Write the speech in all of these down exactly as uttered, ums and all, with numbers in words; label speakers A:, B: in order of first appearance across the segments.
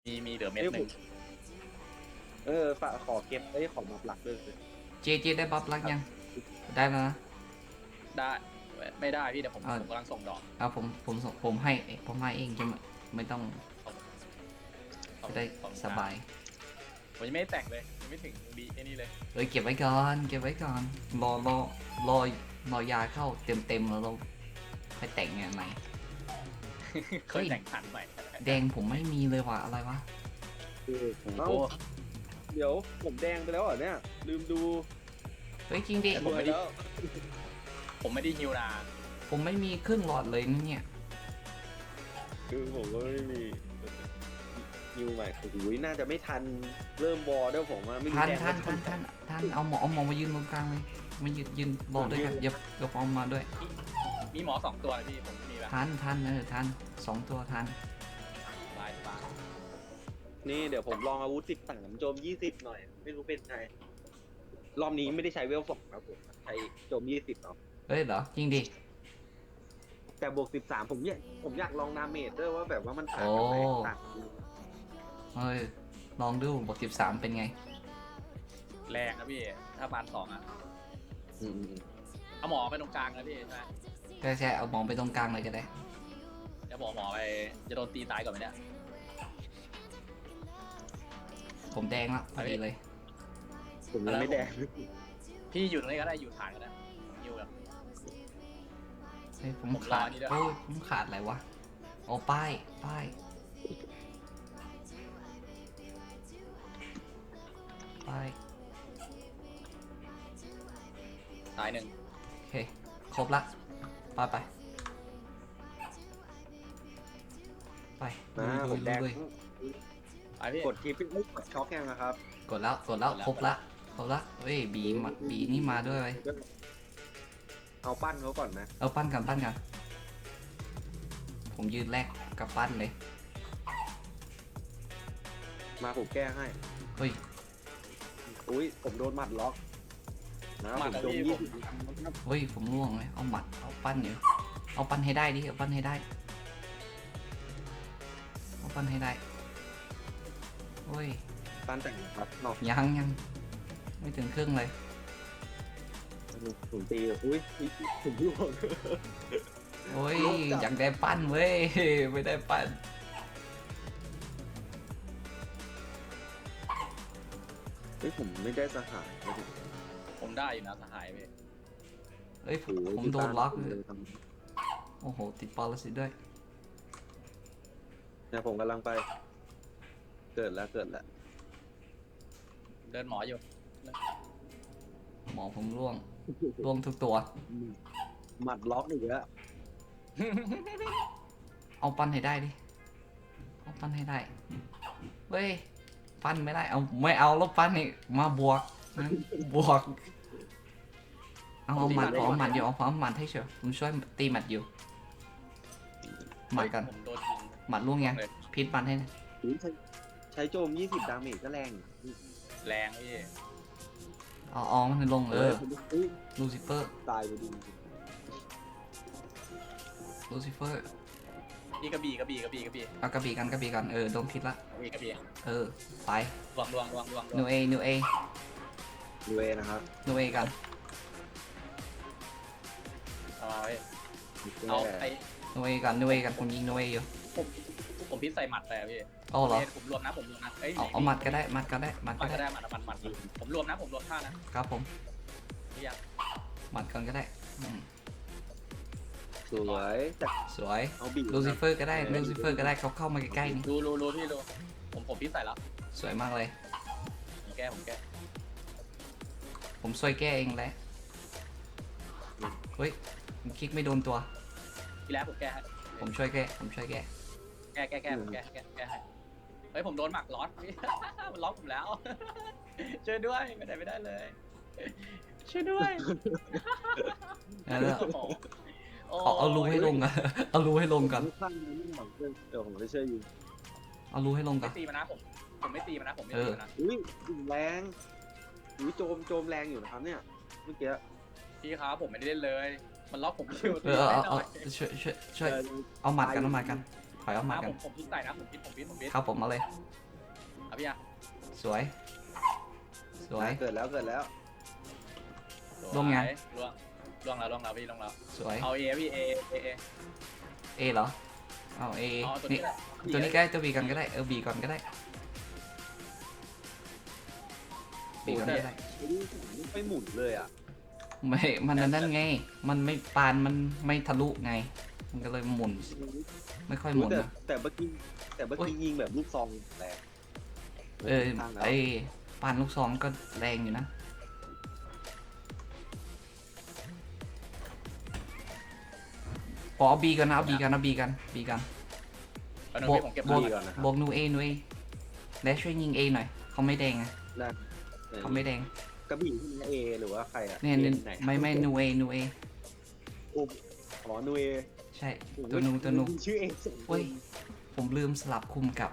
A: มีมีเหลือเม็ดหนึ่ง
B: เออฝากขอเก็บไอ้ของมาหลักด้วย
C: เจเจได้บัฟลักยังได้แล้วนะ
A: ได้ไม่ได้พี่เดี๋ยวผม
C: อ่า
A: ผมกำลังส่งดอก
C: เอาผมผมส่งผมให้ผมให้เองจะไม่ไม่ต้อง
A: ขอบ
C: จะได้
A: ขอบคุณ
C: สบาย
A: ผมยังไม่ได้แต่งเลยยังไม่ถึงบีไอ้นี่เลย
C: เอ้ยเก็บไว้ก่อนเก็บไว้ก่อนรอรอรอรอยาเข้าเต็มเต็มแล้วเราค่อยแต่งไงไหม
A: เคยแต่งขันใหม่
C: แดงผมไม่มีเลยว่ะอะไรวะ
B: เอ้า
A: โอ้
B: เดี๋ยวผมแดงไปแล้วเหรอเนี่ยลืมดู
C: เฮ้ยจริงดิ
A: ผมไม่ได้
B: แล้ว
A: ผมไม่ได้ฮิวนา
C: ผมไม่มีครึ่งหลอดเลยนะเนี่ย
B: คือผมก็ไม่มีนิวใหม่โอ้โหน่าจะไม่ทันเริ่มบอลด้วยผมว่าไม่รู้
C: ท่าน
B: แดง
C: ท่าน
B: ไม่
C: ท่านท่านท่านเอาหมอเอาหมอมายืนตรงกลางเลยมายืนยืนรอด้วยกันอย่าอย่าฟอมมาด้วย
A: มีหมอสองตัวนะพี่ผมมีแบบ
C: ท่านท่านเออท่านสองตัวท่าน
A: สบายสบาย
B: นี่เดี๋ยวผมลองอาวุธสิบสามโจมยี่สิบหน่อย ไม่รู้เป็นไงรอบนี้ไม่ได้ใช้เวลสองครับผมใช้โจมยี่สิบเนาะ
C: เฮ้ยเหรอจริงดิ
B: แต่บวกสิบสามผมอยากผมอยากลองดาเมจด้วยว่าแบบว่ามันต่างกันไหมต่างกัน
C: เฮ้ยลองดูบทสิบสามเป็นไง
A: แรงนะพี่ถ้าบานสองอ่ะ
B: อืม
A: เอาหมอไปตรงกลางนะพี่ใช่ไหม
C: ใช่ใช่เอามองไปตรงกลางเลยก็ได้
A: เดี๋ยวบอกหมอไปจะโดนตีตายก่อนไหมเนี่ย
C: ผมแดงละพอดีเลย
B: ผมยังไม่แดง
A: พี่อยู่ตรงนี้ก็ได้อยู่ฐานก็ได้ฮิวแบบ
C: เฮ้ยผม
A: ผมรอ
C: ขาด
A: นี่ด้วย
C: โอ้ยผมขาดอะไรวะโอ้ป้ายป้ายป้าย
A: ตายหนึ่ง
C: โอเคครบละไปไปไป
B: นะ
C: ลุ
B: ผ
C: ย
B: ม
C: ลุ
B: แด
C: ย
B: ง
C: ลุย
A: ไปพี่
B: กดคลิปไม่กดช็อกยังนะครับ
C: กดแล้วกดแล้วครบละครบละเฮ้ยบีมาบีนี่มาด้วยเว้ย
B: เอาปั้นเขาก่อนนะ
C: เอาปั้นกันปั้นกันผมยืนแรกกับปั้นเลย
B: มาผมแก้ให้
C: เฮ้ย
B: อุ้ยผมโดนหมัดล็อกนะ
A: มา
B: ผม
A: แต่
B: โดน
A: พี่
B: ยี่
A: ผม
B: สิบ
C: เฮ้ยผมล่วงเลยเอาหมัดเอาปั้นอยู่เอาปั้นให้ได้ดิเอาปั้นให้ได้เอาปั้นให้ได้เฮ้ย
B: ปั้นแต่งครับเนาะ
C: ยังยังไม่ถึงครึ่งเลย
B: ผมตีอุ้ยอุ๊ยผมร่วง
C: โอ้ย
B: โลกจัด
C: อยากได้ปั้นเว้ย ไม่ได้ปั้น
B: เฮ้ยผมไม่ได้สหายเลยดิ
A: ผมได้อยู่นะสหายพี่
C: เอ้ยผม
B: โอ้โห
C: ผมโดนล็อกเลย
B: เลยท
C: โอ้โหติดปรสิตด้วย
B: ำเนี่ยผมกำลังไป เกิดแล้วเกิดแล้ว
A: เดินหมออยู่
C: หมอผมร่วงร่วงทุกตัว
B: หมัดล็อกอีกแล้ว
C: เอาปั้นให้ได้ดิเอาปั้นให้ได้เว้ยปั้นไม่ได้เอาไม่เอาแล้วปั้นนี่มาบวกนะบวกเอาเอาหมัดขอหมัดอยู่เอาขอหมัดให้เชียวผมช่วยตีหมัดอยู่หมัดกัน
A: ผมโดนยิง
C: หมัดล่วงยัง
A: เลย
C: พิษหมัดให้นะ
B: อุ๊ยใช้ใช้โจมยี่สิบดาเมจก็แรงอยู่
A: แรงพี่
C: เอาเอามันให้ลงเออ
B: อุ้ย
C: ลูซิเฟอร์
B: ตายไปดิ
C: ลูซิเฟอร์
A: พี่กระบี่กระบี่กระบี่กระบี่
C: เอากระบี่กันกระบี่กันเออโดนพิษละ
A: กระบี่กระบี่
C: เออไป
A: ลวงลวงลวงลวงลว
C: นู
A: ง
C: เอนูเอ
B: ดูเอนะครับ
C: นูเอกัน
A: เอาไว้เอาไอ้
C: นูเอกันนูเอกันผมยิงนูเออยู่
A: ผมพิษใส่หมัดไปอะพี่
C: เอาเหรอ
A: ผมรวมนะผมรวมนะเอ้ย
C: เอาเอาหมัดก็ได้หมัดก็ได้หมัด
A: มั
C: ก็
A: ดก็
C: ได้
A: ได้หมัดหมัดหมัดผมรวมนะผมรวมท่านะครับ
C: ผม
A: เรียก
C: หมัดก่อนก็ได้อืม
B: สวยแต่
C: สวย
B: เอาบีบ
C: ลูซิเฟอร์ก็ได้ลูซิเฟอร์ก็ได้เขาเข้ามาใกล้ๆนี่
A: รู้รู้รู้พี่รู้ผมผมพิษใส่แล้ว
C: สวยมากเลย
A: ผมแก้ผมแก้
C: ผมช่วยแก้เองแหละเฮ้ยผมคลิกไม่โดนตัว
A: ทีแรกผมแก้ให้
C: ผมช่วยแก้ผมช่วยแก้
A: แก้แก้แก้ผมแก้แก้แก้ให้เฮ้ยผมโดนหมักล็อตพี่ มันล็อกผมแล้ว ช่วยด้วยไม่ได้ไม่ได้เลย ช่วยด้วย
C: เอาละ
A: โอ้โหโ
C: เอาเอารูให้ลงอะ เอารูให้ลงก่อน
B: ข้างนี้ไม่หวังเพื่อนเดี๋ยวผมจะช่วยยิง
C: เอารูให้ลงก่
A: ไม่
C: อน
A: ตีมันนะผมผมไม่ตีมันนะผมไม่
C: เอ
A: ตี
C: อ
A: มันนะ
B: อุ้ยแรงอุ้ยโจมโจมแรงอยู่นะครับเนี่ยเมื่อกี้
A: พี่ครับผมไม่ได้เล่นเลย มันล็อกผมอยู่
C: เออเอา
A: แน่น
C: เอา
A: อน
C: ช่วยช่วยช่วย
B: เออ
C: เอาหมัดกันเอาหมัดกันถอยเอาหมัด
A: อ่ะ
C: กั
A: ผ
C: น
A: มผมพิษใส่นะผมพิษผมพิษผมพิษ
C: ครับผมมาเลย
A: เอาพี่อ่ะ
C: สวย สวย
B: เกิดแล้วเกิดแล้ว
C: ลงไง
A: ล่วงล่วงแล้วล่วงแล้วพี่ล่วงแล้ว
C: สวย
A: เอาเอพี่เอเอเอ
C: เอเหรอเอาเอ
A: เอาตัว
C: นี่
A: นี้แหละ
C: ตัวนี้ใกล้ตัวบีกันก็ได้เออบีก่อนก็ได้บีก่อนก็ได้
B: ไม่หมุนเลยอ่ะ
C: ไม่ มันนั่นไง มันไม่ปานมันไม่ทะลุไง มันก็เลยหมุน ไม่ค่อยหมุน
B: แต่
C: นะ
B: แต่เมื่อกี้แต่เมื่อกี้ยิงแบบลูกซองแรง
C: เออ
B: ข้างแล้ว
C: ไอปานลูกซองก็แรงอยู่นะ ขอบีกันนะเอาบีกันนะบีกันบีกัน
A: เอาหนู
C: บวก
A: พี่ผมเก็บบ
C: ว
A: อก ล
B: ก่อนนะ
C: บวกนูเอนูเอและช่วยยิงเอหน่อย เขาไม่แดงไง
B: ได้
C: เขาไม่แดง
B: กระบี่ที่เอหรือว่าใครอ่ะ
C: เนี่ยเนี่ย
B: ไหน
C: ไม่ไม่นูเอนูเอ
B: อ๋อนูเอ
C: ใช่ ตัวนูตัวนู
B: ชื่อเอส
C: เฮ้ย ผมลืมสลับคุมกับ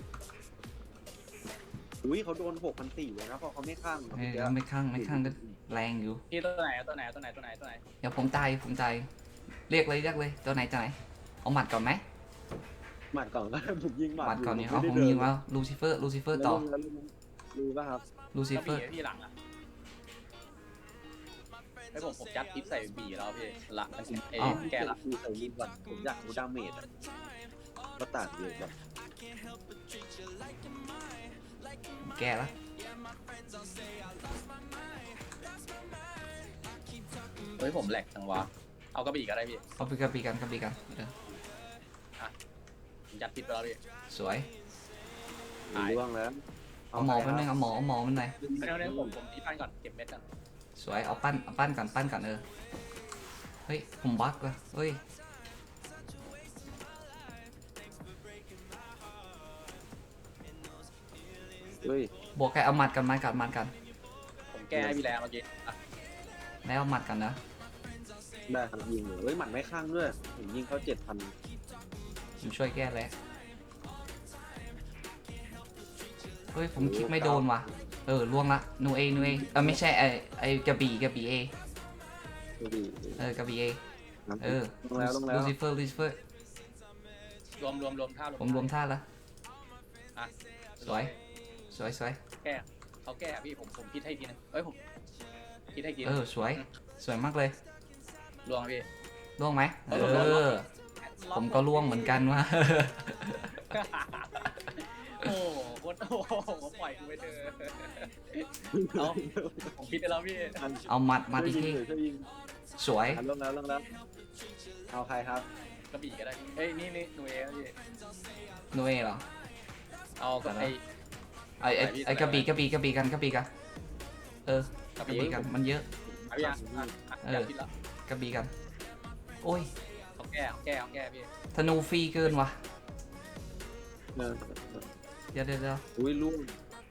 B: อุ้ยเขาโดนหกพันสี่เลยนะเพราะเขาไม่ข้าง
C: เออไม่ข้างไม่ข้างก็แรงอยู่
A: พี่ตัวไหนตัวไหนตัวไหนตัวไหนตัวไหน
C: เดี๋ยวผมตายผมตายเรียกเลยเรียกเลยตัวไหนตัวไหนเอาหมัดก่อนไหม
B: หมัดก่อนก็ผมยิงหมัด
C: หมัดก่อนเนี่ย
B: ไ
C: เอาผมยิงว่าลูซิเฟอร์ลูซิเฟอร์ต่อ
B: แล้วลุงรู้ป่ะครับ
C: ลูซิ
A: ก็
C: เฟ
A: บี
C: อร์
A: พี่หลังอ่ะไอผมผมยัดทิปใส่บีแล้วพี่หลังมันเอแกละ
B: คือใส่ยิงก่อนผมอยากรู้ดาเมจอะก็ต่างเยอะแบบ
C: แกละ
A: เฮ้ยผมแหลกจังวะเอากระบี่ก็ได้พี่
C: เอาไปกระบีกันกระบีกันเออ
A: ผมยัดทิปไปแล้วพี่
C: สวย
A: หาย
B: ร่วงแล้ว
C: เอาหมอมันหนึงเอาหมอเอาหมอมันหน่อย
A: เดี๋ยวเดี๋ยวผมผมตีปั้นก่อนเก็บเม็ดก่อน
C: สวยเอาปั้นเอาปั้นก่อนปั้นก่อนเออเฮ้ยผมบั๊กว่ะเฮ้ย
B: เฮ้ย
C: บวกแกเอาหมัดกันหมัดกันหมัดกัน
A: ผมแก้ให้พี่แล้วเมื่อกี้อ่ะ
C: แล้วเอาหมัดกันนะ
B: ได้ครับยิงเลยเฮ้ยหมัดไม่ข้างด้วยผมยิงเขาเจ็ดพัน
C: ผมช่วยแก้แล้วเฮ้ยผมคลิกไม่โดนว่ะเออล่วงละนูเอนูเอเออไม่ใช่ไอไอกระบี่กระบี่เอ
B: ดี
C: เออกระบี่เอเออ
B: ลงแล้วลงแล้ว
C: ลูซิเฟอร์ลูซิเฟอร์
A: รวมรวมรวมท่ารวม
C: ผมรวมท่าแล้ว
A: อ่ะ
C: สวยสวยสวย
A: แก้เขาแก้พี่ผมผมพิดให้ทีนึงเอ้ยผมพิดให้ทีนึ
C: เอง อสวยสวยมากเลย
A: รวมพี่
C: ล่วงไหมเอ
A: เออ
C: อผมก็ล่วงเหมือนกันว่ะ
A: โอ้โหโคตรโอ้โหปล่อยกูไปเถอะเอาผมพิดไปแล้วพี่
C: เอาหมัดหมัดอีกที
B: ช่วยยิง
C: สวย
B: ลงแล้วลงแล้วเอาใครครับ
A: กระบี่ก็ได้พี่เอ้ยนี่นี่หนูเองพี่
C: นูเอเหรอ
A: เอาก็ไอ
C: ไอไอไอกระบี่กระบี่กระบี่กันกระบี่กันเออก
A: ระ
C: กระ
A: บี่
C: บี่กันมันเยอะ
A: เอาพี่อ่ะอ่ะอ่ะ
C: เออ
A: อยากพิดแล้ว
C: กระบี่กันโอ้ย
A: เขาแก้เขาแก้เขาแก้พี่
C: ธนูฟรีเกินว่ะ
B: เออ
C: เดี๋ยวเดี๋ยวเดี๋ยว
B: อุ้ยลูก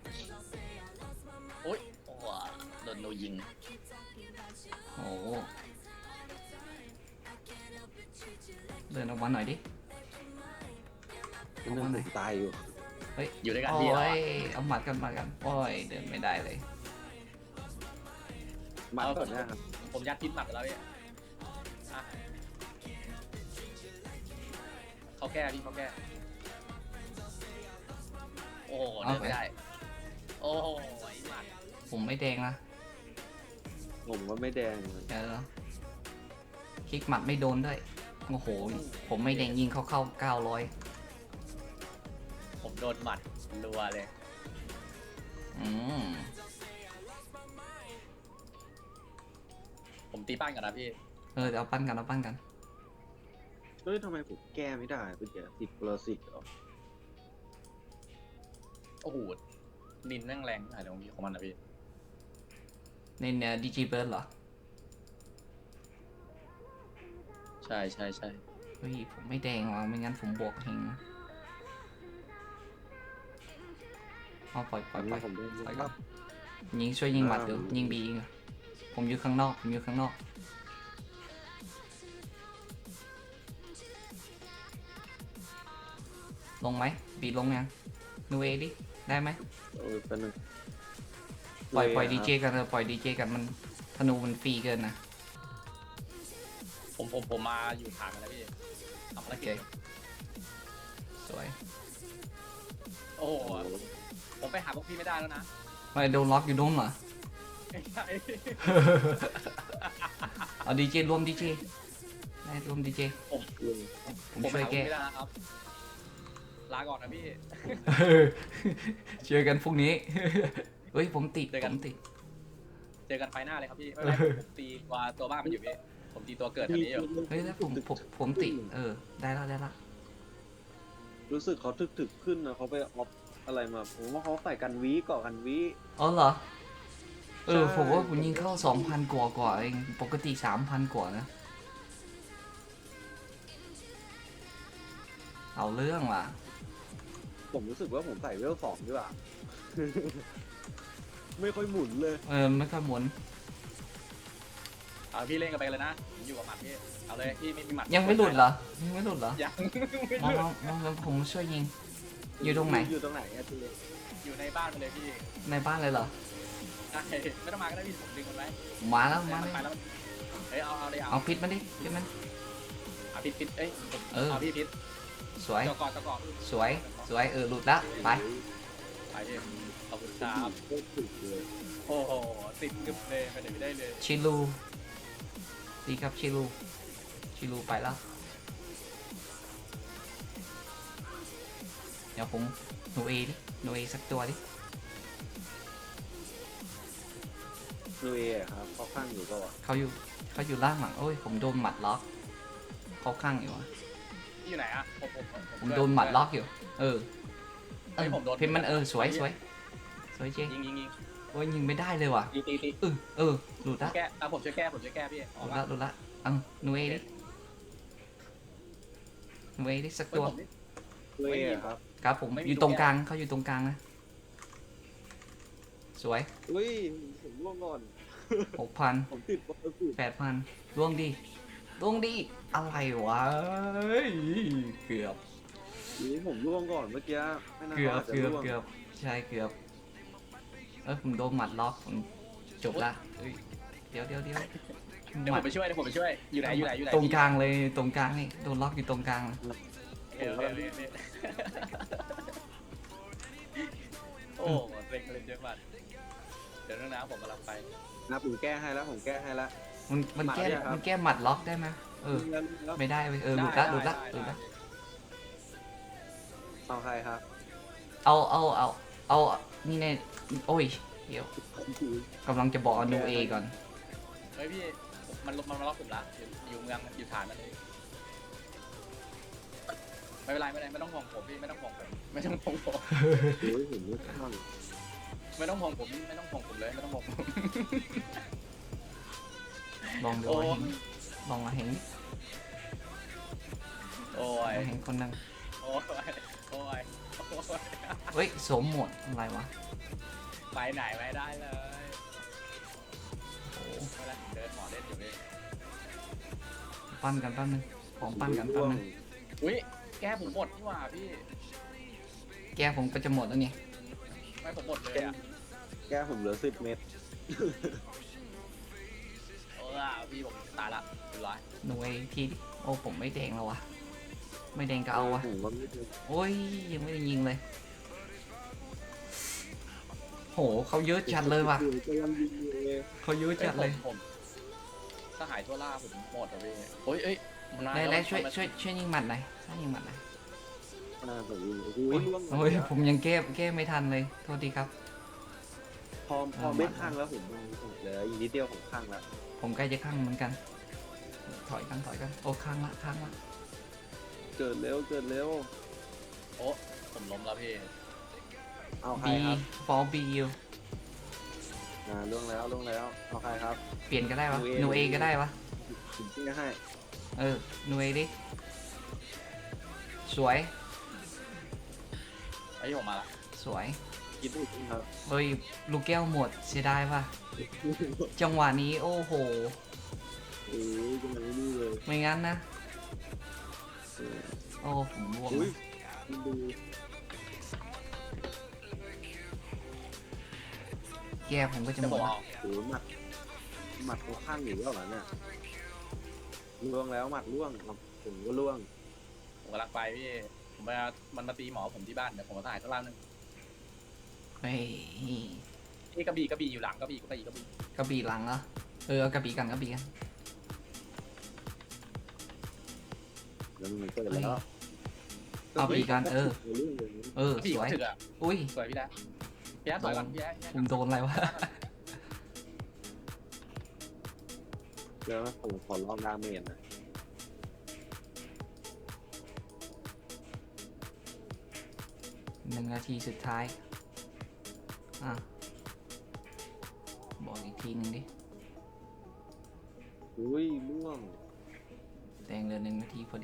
A: โอ้ยโอ้โหโดนโดนยิง
C: โอ้โหเดินออกมาหน่อยดิ
B: นั่นผมตายอยู่
A: อยู่ด้วยกัน
C: โอ้
A: พี่แล้ว
C: ยเอาหมัดกันหมัดกันโอ้ยเดินไม่ได้เลย
B: มาก่อนนะครับ
A: ผมยัดพิษหมัดไปแล้วพี่อ่ะเขาแก้พี่เขาแก้โอ้โหเดินไม่ได้โอ้โหไอ้หมัด
C: ผมไม่แดงนะ
B: ผมก็ไม่แดง
C: เดี๋ยวคลิกหมัดไม่โดนด้วยโอ้โหผมไม่แดงยิงเขาเข้าเก้าร้อย
A: ผมโดนหมัดรัวเลย
C: อืม
A: ผมตีป้านก่อนนะพี่
C: เออเดี๋ยวเอาปั้นกันเอาปั้นกัน
B: เฮ้ยทำไมผมแก้ไม่ได้เมื่อกี้ติดโปรสิตเหรอ
A: โอ้โหนินแม่งแรงหายตรงนี้ของมันนะพี่
C: ในเนี่ยดีจีเบิร์ดเหรอ
A: ใช่ใช่ใช่
C: เฮ้ยผมไม่แดงว่ะไม่งั้นผมบวกเฮงเอาปล่อยปล่อยปล่อย
B: ผมได้
C: ปล่อยก่อนยิงช่วยยิงหมัดอยู่ยิงบียิงผมอยู่ข้างนอกผมอยู่ข้างนอกลงไหมบีลงยังนูเอดิได้ไหม
B: เออเป็นหนึ่ง
C: ปล่อยปล่อยดีเจกันเออปล่อยดีเจกันมันธนูมันฟรีเกินนะ
A: ผมผมผมมาอยู่ฐานกันแล้วพี่ทำภาร
C: โอเค
A: กิจ
C: สวย
A: โอ้โหผมไปหาพวกพี่ไม่ได้แล้วนะ
C: ไม่โดนล็อกอยู่โดนเหรอ
A: ไม่ใช่
C: เอาดีเจรวมดีเจได้รวมดีเจ
A: ผม
C: ผม
A: ผมไป
C: ช่วย
A: หาพวก
C: แก้
A: พี่ไม่ได้นะครับ ลาก่อนนะพี่
C: เจอกันพรุ่งนี้ เฮ้ยผมติด
A: เจอ
C: ผ
A: กัน
C: มติด
A: เจอกันไฟหน้าเลยครับพี่ไม่เป็นไรผมตีตัวตัวบ้านมันอยู่พี่ผมตีตัวเกิดแถวนี้อยู่
C: เฮ้ยแล้วผมผมผมติดเออได้แล้วได้แล้ว
B: รู้สึกเขาถึกๆขึ้นนะเขาไปออฟอะไรมาผมว่าเขาใส่กันวีก่อกันวี
C: อ๋อเหรอเออ
B: ใช่
C: ผมว่าผมยิงเข้าสองพันกว่ากว่าเองปกติสามพันกว่านะเอาเรื่องว่ะ
B: ผมรู้สึกว่าผมใส่เวลสองดีกว่า ไม่ค่อยหมุนเลย
C: เออไม่ค่อยหมุน
A: เอาพี่เล่นกันไปเลยนะผมอยู่กับหมัดพี่เอาเลยพี่ไม่มีหมัด
C: ยังไม่หลุดเหรอยังไม่หลุดเหรอ
A: ยัง
C: มองมองมองผมช่วยยิง อยู่ตรงไหน
B: อยู่ตรงไหนอะที
A: อยู่ในบ้านไปเลยพี่
C: ในบ้านเลยเหรอ
A: ได้ไม่ต้องมาก็ได้พี่ผมดึงมันไว้
C: มาแล้ว
A: เดี๋ย
C: มาว
A: มัน
C: เลย
A: ไปแล้วเฮ้ยเอาเอาเลยเอา
C: เอาพิษมาดิพิษมัน
A: เอาพิษพิษเอ้ยผม
C: เออ
A: เอาพี่พิษ
C: สวย
A: เจาะก่อนเจาะก่อน
C: สวยสวยเออหลุดละไป
A: ไปพี่ขอบคุณครับ
B: โคตรถึกเลย
A: โอ้โหติดกึบเลยไปไหนไม่ได้เลย
C: ชิลูดีครับชิลูชิลูไปแล้วเดี๋ยวผมหนูเอดิหนูเอสักตัวดิ
B: นูเออะครับเขาข้างอยู่ก็
C: เขาอยู่เขาอยู่ล่างหลังโอ้ยผมโดนหมัดล็อกเขาข้างอยู่อะ
A: พี่อยู่ไหนอะผมผม
C: ผมโดนหมัดล็อกอยู่ เออเอ
A: เฮ้ย
C: อ
A: ผมโดน
C: เพนมันเออสวยสวยสวยเจ๊
A: ยิงยิงยิง
C: โอ้ยยิงไม่ได้เลยว่ะ
A: ตีตีตี
C: เออเออหลุดละ
A: แก้อ่ะผมช่วยแก้ผมช่วยแก้พี่อ
C: ห
A: อก
C: ลุด
A: มา
C: ละหลุดละเอังหนูเอดิหนูเอดิสัก
A: เฮ้ย
C: ตัว
A: ผมนี่
B: นูเออะครับ
C: ครับผม
A: ไม่มี
C: อยู่
A: ตัว
C: ตรง
A: แก้
C: กลางเขาอยู่ตรงกลางนะสวย
B: อุ้ยผมร่วงก่อน
C: หกพัน
B: ผมติดบอลสุด
C: แปดพันล่วงดีล่วงดีอะไรวะเอ้ยเกือบ
B: นี้ผมร่วงก่อนเมื่อกี้ไม่น่า
C: เกือบ
B: ขาาจจะ
C: เกือบ
B: ร่วง
C: เกือบใช่เกือบเอ้ยผมโดนหมัดล็อกผมจบละเอ้ยเดี๋ยวเดี๋ยวเดี๋ยว
A: เดี๋ยว
C: ห
A: ผ
C: มั
A: ม
C: ด
A: ไปช่วยเดี๋ยวผมไปช่วยอยู่ไหนอยู่ไหนอยู่ไหน
C: ตรงกลางเลยตรงกลางนี่โดนล็อกอยู่ตรงกลาง
A: เออเออเออเออโอ้เซ็งเลยเยอะมากเดี๋ยวเรื่องน้ำผมกำลังไป
B: นะผมแก้ให้แล้วผมแก้ให้แล้ว
C: มันมัน
B: หมัด
C: แก้
B: เนี่ยครับ
C: มันแก้หมัดล็อกได้ไหมเออ
B: แล้วแล้ว
C: ไม่ได้เว้ยเออหลุดละหลุดละหลุดละ
B: เอาใครครับ
C: เอาเอาเอาเอานี่ในโอ้ยเดี๋ยวกำลังจะบอกเอานูเอก่อน
A: เฮ้ยพี่มันมันมาล็อกผมละอยู่อยู่เมืองอยู่ฐานมันเลยไม่เป็นไรไม่เป็นไรไม่ต้องห่วงผมพี่ไม่ต้องห่วงผมไม่ต้องห่วงผม
B: โอ้ยเห็นไม่ข้าง
A: ไม่ต้องห่วงผมไม่ต้องห่วงผมเลยไม่ต้องห่วงผม
C: ลองดู
A: โอ้
C: ว่าเห็นลองมาเห็น
A: โอ้ย
C: มาเห็นคนหนึง
A: โอ้ยโอ้ยโอ้ย
C: เฮ้ยสวมหมวดอะไรวะ
A: ไปไหนไม่ได้เลย
C: โอ้
A: ไม่เป็นไรเดินหมอเล่นอยู่พี่
C: ปั้นกันแป๊บนึงของปั้นกันแป๊บนึง
A: อุ้ยแก้ผมหมดนี่หว่าพี่
C: แก้ผมก็จะหมดแล้วนี่
A: ไม่ผมหมดเลยอ่ะ
B: แก้ผมเหลือสิบเมตร
A: เออพี่ผมตายละเรียบร้อย
C: หนูเอทีดิโอ้ผมไม่แดงแล้ววะไม่แดงก็เอาวะ
B: ผมว่าไม่ถึง
C: โอ้ยยังไม่ได้ยิงเลยโหเขาเยอะจัดเลยว่ะ
B: จะยังยิงอยู่เลย
C: เขาเยอะจัดเลย
A: ผมถ้าหายทั่วล่าผมหมดอ่ะพี่โอ้ยเอ้ยมันนาน
C: ได้
A: แล้
C: แล้ว วช่วยช่วยช่วยยิงหมัดหน่อยช่วยยิงหมัดหน่อย
B: น่าจะยิงโอ้โห
C: โอ้ย
B: ล่วง
C: โอ้ยผมยังแก้แก้ไม่ทันเลยโทษทีครับ
B: พอพอเม็ดข้างแล้วผมเหลืออีกนิดเดียวผมข้างแล้ว
C: ผมใกล้จะข้างเหมือนกัน ถอยกันถอยกันโอ้ข้างละข้างละ
B: เกิดเร็วเกิดเร็ว
A: โอ้ผมล้มแล้วพี่
B: เอาใคร
C: บี
B: ครับ
C: ฟอร์บียู
B: อ่าล่วงแล้วล่วงแล้วเอาใครครับ
C: เปลี่ยนก็ได้วะ
B: ห
C: ห
B: นู
C: นู
B: เอ
C: เอก็ได้วะ
B: ผมชี้ให้
C: เออหนูเอดิสวย
A: ไอ้ยผมมาละ
C: สวย
B: คิดดูสิครับ
C: เฮ้ยลูกแก้วหมดเสียดายป่ะจังหวะนี้โอ้โห
B: โอ้ยจังเลยนี่เลย
C: ไม่งั้นนะ
B: เออ
C: โอ้ผมร่วง
B: อุ้ยคุณดู
C: แก้ผมก็จะ
A: จะ
C: หม
A: บอ
C: ด
A: ก
C: ละ
A: เอา
B: โอ้ยหมัดหมัดเขาข้างอยู่แล้วเหรอเนี่ยล่วงแล้วหมัดล่วงครับผมก็ล่วง
A: ผมกำลังไปพี่ผมมามันมาตีหมอผมที่บ้านเดี๋ยวผมมาถ่ายข้างล่างนึง
C: เฮ้ย
A: นี่กระบี่กระบี่อยู่หลังกระบี่กระบี่กระบี่
C: กระบี่หลังเหรอเออเอากระบี่กันกระบี่กัน
B: แล้วมันเกิดแล้ว
C: เอากระบี่กันเออ
B: เรื่องอย่างนี้
C: เออก
A: ระบี่
C: สวย
A: เขาถึกอ่ะ
C: อุ้ย
A: สวยพี่แดนพี่แดนสวยก่อนพี่แดนพี่แดน
C: ผมโดนอะไรวะ
B: แล้วผมขอลองดาเมจนะ
C: หนึ่งนาทีสุดท้ายอ่ะบอกอีกทีหนึ่งดิ
B: อุ้ยล่วง
C: แดงเหลือหนึ่งนาทีพอดี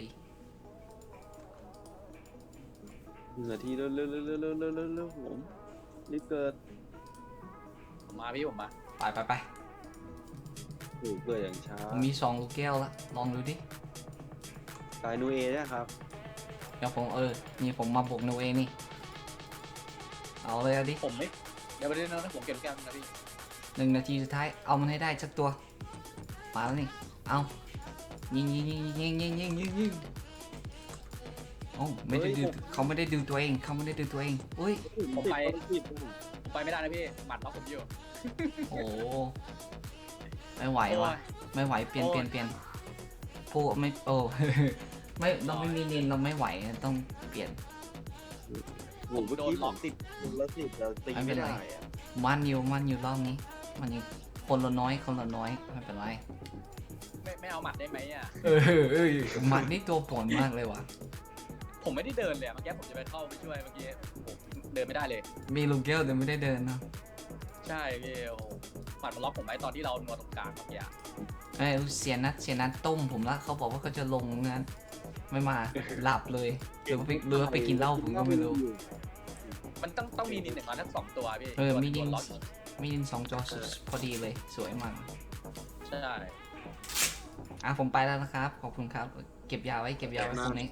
B: หนึ่งนาทีเร็วเร็วเร็วเร็วเร็วเร็วเร็วเร็วผมรีบเกิด
A: ผมมาพี่ผมมา
C: ไปไปไป
B: โอ้เกิดอย่างช้า
C: ผมมีสองลูกแก้วละลองดูดิ
B: ตายนูเอเนี่ยครับ
C: เดี๋ยวผมเออ นี่ผมมาบวกโนเอนี่ เอาเลยเอาดิ
A: ผมไม่เดี๋ยวไปเล่นนะผมเก็บแก้มนะพี่
C: หนึ่งนาทีสุดท้าย เอามันให้ได้สักตัว มาแล้วนี่ เอายิงยิงยิงยิงยิงยิงยิงยิงโอ้ไม่ได้ดูเขาไม่ได้ดูตัวเอง เขาไม่ได้ดูตัวเองอุ้ย
A: ผมไป
B: ติด
A: ผมไปไม่ได้นะพี่หมัดล็อกผมอยู่
C: โอ้ไม่ไหวว่ะ ไม่ไหว เปลี่ยน
A: โอ้
C: เปลี่ยนเปลี่ยนโอ้ไม่ โอ้ ไม่เราไม่มีเนียนเราไม่ไหว ต้องเปลี่ยน
B: ผมเมื่อกี้ผมติดแล้วติดแล้วตี
C: ไม่เป็
B: ไม่
C: นไร
B: ได้อะ
C: มันอยู่มันอยู่รอบนี้ มันอยู่คนละน้อย คนละน้อย ไม่เป็นไร
A: ไม่ไม่เอาหมัดได้ไหมอ่ะ
C: เออเออมันนี่ตัวปวดมากเลยว่ะ
A: ผมไม่ได้เดินเลยอะเมื่อกี้ผมจะไปเข้าไปช่วยเมื่อกี้ผมเดินไม่ได้เลย
C: มีลูกแก้วแต่ไม่ได้เดินเนอะ
A: ใช่พี่โอ้โหหมัดมันล็อกผมไว้ตอนที่เรานัวตรงกลางเมื่อกี้อะ
C: เอ้ยเสียนัดเสียนัดต้มผมละเขาบอกว่าเขาจะลงงั้นไม่มาหลับเลยหรือว่าไปหรือว่าไปกินเหล้าผมก็ไม่รู้
A: มันต้องต้องมีนินหนึ่งมาทั้งสองตัวพี่
C: เออ
A: ตัว
C: มีนิน
A: ตัวล็อก
C: มีดินสองจอพอดีเลยสวยมาก
A: ใช่
C: อ่ะผมไปแล้วนะครับ ขอบคุณครับ เก็บยาไว้เก็บยาไว้ตรงนี้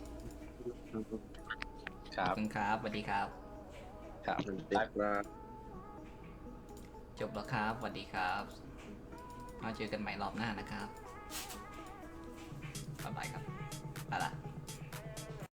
A: ครั
C: ขอบบ คุณครับสวัสดีครับ
A: ครับ
B: มันติดว่า
C: จบแล้วครับสวัสดีครับมาเจอกันใหม่รอบหน้านะครับบ๊ายบายครับไปละ